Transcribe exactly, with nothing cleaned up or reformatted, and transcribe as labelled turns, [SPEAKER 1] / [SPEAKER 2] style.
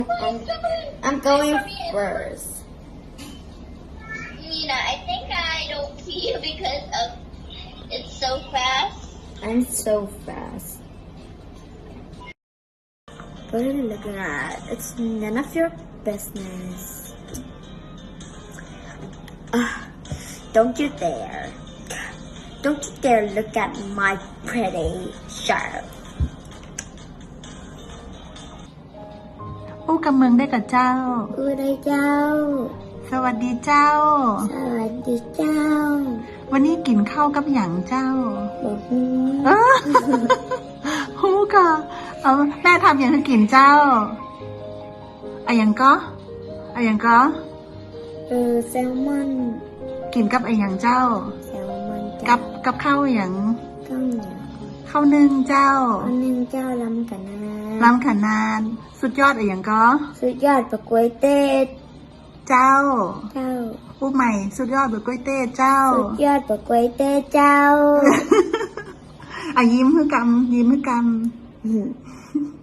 [SPEAKER 1] I'm, I'm going first.
[SPEAKER 2] Nina, I think I don't see you because of it's so fast.
[SPEAKER 1] I'm so fast. What are you looking at? It's none of your business. Uh, don't you dare. Don't you dare look at my pretty shirt.
[SPEAKER 3] ผู้กำเมืองได้กับเจ้า
[SPEAKER 1] อูได้เจ้า
[SPEAKER 3] สวัสดีเจ้า
[SPEAKER 1] สวัสดีเจ้า
[SPEAKER 3] วันนี้กินข้าวกับหยังเจ้า
[SPEAKER 1] บอกฮู้
[SPEAKER 3] เอ้อ ฮู้ค่ะเอาแม่ทำอย่างให้กินเจ้าอะหยังก็อะหยังก็
[SPEAKER 1] เออแซลมอน
[SPEAKER 3] กินกับอะหยังเจ้า
[SPEAKER 1] แซลมอนเจ้า
[SPEAKER 3] กับกับข้าวอะหยัง
[SPEAKER 1] ข้าวเหนียว
[SPEAKER 3] ข้าวนึ่งเจ้า
[SPEAKER 1] อันนึงเจ้าลำกันนะ
[SPEAKER 3] ลำขนานสุดยอดอะหยังก็
[SPEAKER 1] สุดยอดปะกล้วยเต้ด
[SPEAKER 3] เจ้า
[SPEAKER 1] เจ้า
[SPEAKER 3] ผู้ใหม่สุดยอดแบบก๋วยเตี๋ยวเจ้า
[SPEAKER 1] สุดยอดปะกล้วยเต้เจ้า
[SPEAKER 3] อ่ะยิ้มให้กำยิ้มให้ก
[SPEAKER 1] อืม
[SPEAKER 3] ำ